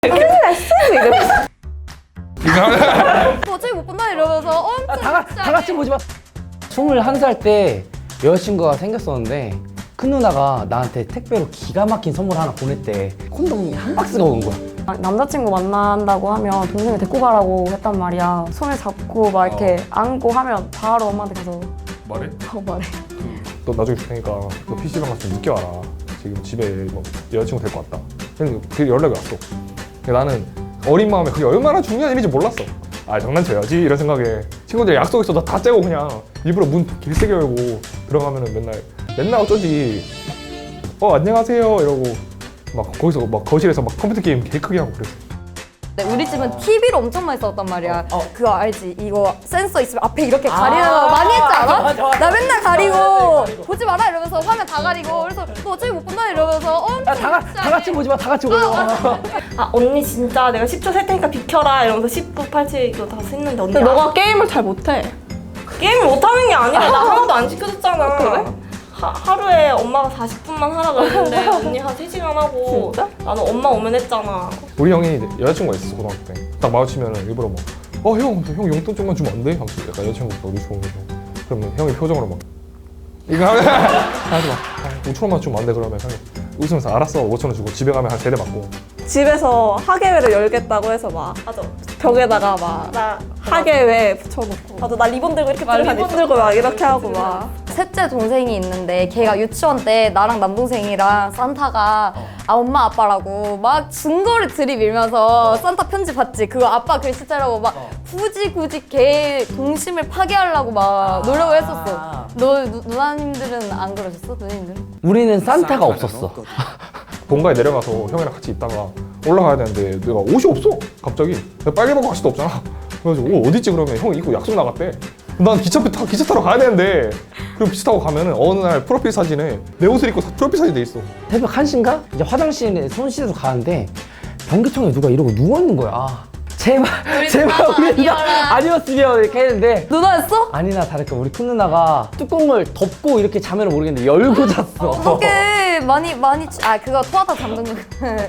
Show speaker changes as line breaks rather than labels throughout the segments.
큰일 났어 이러면서
어차피 못 본다 이러면서 엄청
다 같이 보지 마. 21살 때 여자친구가 생겼었는데 큰 누나가 나한테 택배로 기가 막힌 선물 하나 보냈대. 콘돔이 한 박스가 온 거야.
남자친구 만난다고 하면 동생을 데리고 가라고 했단 말이야. 손을 잡고 막 이렇게 안고 하면 바로 엄마한테 가서
말해?
말해.
너 나중에 줄 테니까 너 PC방 가서 좀 늦게 와라. 지금 집에 뭐 여자친구 데리고 왔다. 그래서 그 연락이 왔어. 근데 나는 어린 마음에 그게 얼마나 중요한 일인지 몰랐어. 아 장난쳐야지 이런 생각에 친구들 약속 있어 나 다 째고 그냥 일부러 문 길세게 열고 들어가면은 맨날 어쩐지 안녕하세요 이러고 막 거기서 막 거실에서 막 컴퓨터 게임 개 크게 하고 그랬어.
우리 집은 TV를 엄청 많이 썼단 말이야. 그거 알지? 이거 센서 있으면 앞에 이렇게 가리는 거 많이 했지 않아?
맞아.
나 맨날 가리고 보지 마라 이러면서 화면 다 가리고 그래서 너 어차피 못 본다 이러면서 엄청
다 같이 보지 마. 다 같이 보지 마.
아 언니 진짜 내가 10초 셀 테니까 비켜라 이러면서 10분 8초 이거 다 했는데 언니
근데 너가 게임을 잘 못해.
게임을 못하는 게 아니라 나 하나도 안 시켜줬잖아.
그래?
하루에 엄마가 40분만 하라 그랬는데 언니 한 3시간 하고
진짜?
나는 엄마 오면 했잖아.
우리 형이 여자친구가 있었어 고등학교 때. 딱 마주치면은 일부러 막 형 용돈 좀만 주면 안 돼? 하면서 약간 여자친구가 우리 좋으면서 그러면 형이 표정으로 막 이거 하지 마. 5천 원만 주면 안 돼? 그러면 형이 웃으면서 알았어 5천 원 주고 집에 가면 한 3대 맞고.
집에서 하계회를 열겠다고 해서 막
맞아.
벽에다가 막
나
하계회 붙여놓고
맞아 나 리본 들고 이렇게
리본 들고 막 이렇게 하고 막
셋째 동생이 있는데 걔가 유치원 때 나랑 남동생이랑 산타가 엄마 아빠라고 막 증거를 들이밀면서 산타 편지 봤지? 그거 아빠 글씨자라고 막 굳이 걔 동심을 파괴하려고 막 노력을 했었어. 너 누나님들은 안 그러셨어? 누님들은?
우리는 산타가 없었어.
본가에 내려가서 형이랑 같이 있다가 올라가야 되는데 내가 옷이 없어 갑자기. 내가 빨리 벗고 갈 수도 없잖아. 그래가지고 옷 어디 있지 그러면 형이 입고 약속 나갔대. 난 기차 타러 가야 되는데 그리고 기차 타고 가면은 어느 날 프로필 사진에 내 옷을 입고 프로필 사진이 돼 있어.
새벽 1시인가? 이제 화장실에 손 씻으러 가는데 변기통에 누가 이러고 누워있는 거야. 제발 우리 누나 아니었으면 이렇게 했는데
누나였어?
아니나 다를까 우리 큰 누나가 뚜껑을 덮고 이렇게 자면을 모르겠는데 열고 잤어.
어떡해 많이 그거 토하다 잠든 거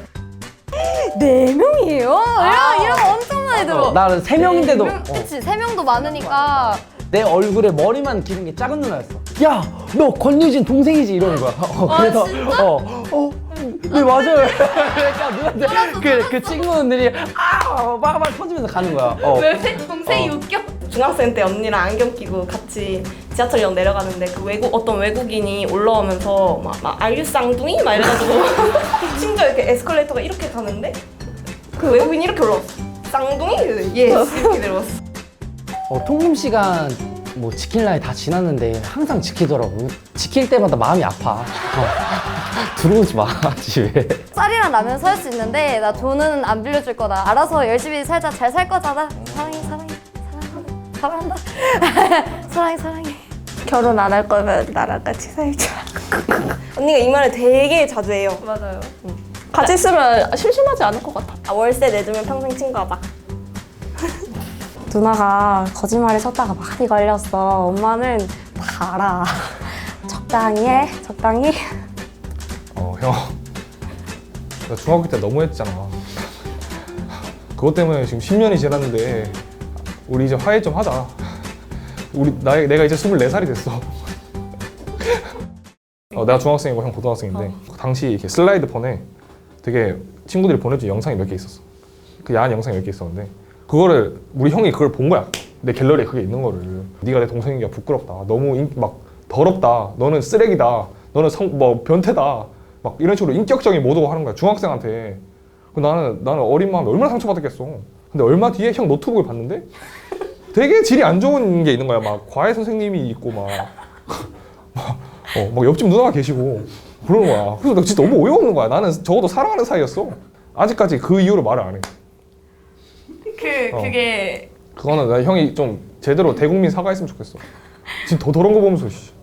4명이에요? 이런 거 엄청 많이 들어.
나는 3명인데도
그치 3명도 많으니까
내 얼굴에 머리만 기른 게 작은 누나였어. 야, 너 권유진 동생이지 이러는 거야. 그래서 네 맞아요. 그러니까 누나들 그 친구들이 막 터지면서 가는 거야.
왜 동생이 웃겨?
중학생 때 언니랑 안경 끼고 같이 지하철역 내려가는데 그 어떤 외국인이 올라오면서 막 알류 쌍둥이? 막 이래가지고 심지어 이렇게 에스컬레이터가 이렇게 가는데 그 외국인이 이렇게 올라왔어. 쌍둥이? 예스 이렇게 내려왔어.
통금 시간 뭐 지킬 날이 다 지났는데 항상 지키더라고. 지킬 때마다 마음이 아파. 들어오지 마 집에.
쌀이랑 라면 살 수 있는데 나 돈은 안 빌려줄 거다. 알아서 열심히 살자. 잘 살 거잖아. 사랑한다. 사랑해.
결혼 안 할 거면 나랑 같이 살자.
언니가 이 말을 되게 자주 해요.
맞아요.
같이 있으면 심심하지 않을 것 같아.
아, 월세 내주면 평생 친구하자.
누나가 거짓말을 쳤다가 많이 걸렸어. 엄마는 다 알아. 적당히 해, 적당히.
형. 나 중학교 때 너무 했잖아. 그것 때문에 지금 10년이 지났는데 우리 이제 화해 좀 하자. 내가 이제 24살이 됐어. 내가 중학생이고 형 고등학생인데 당시 이렇게 슬라이드 폰에 되게 친구들이 보내준 영상이 몇 개 있었어. 그 야한 영상이 몇 개 있었는데 그거를 우리 형이 그걸 본 거야. 내 갤러리에 그게 있는 거를. 네가 내 동생이니까 부끄럽다. 너무 막 더럽다. 너는 쓰레기다. 너는 변태다. 막 이런 식으로 인격적인 모독을 하는 거야. 중학생한테. 나는 어린 마음에 얼마나 상처받았겠어. 근데 얼마 뒤에 형 노트북을 봤는데 되게 질이 안 좋은 게 있는 거야. 막 과외 선생님이 있고 막 옆집 누나가 계시고 그러는 거야. 그래서 나 진짜 너무 어이없는 거야. 나는 적어도 사랑하는 사이였어. 아직까지 그 이후로 말을 안 해.
그게
그거는 나 형이 좀 제대로 대국민 사과했으면 좋겠어. 지금 더 더러운 거 보면서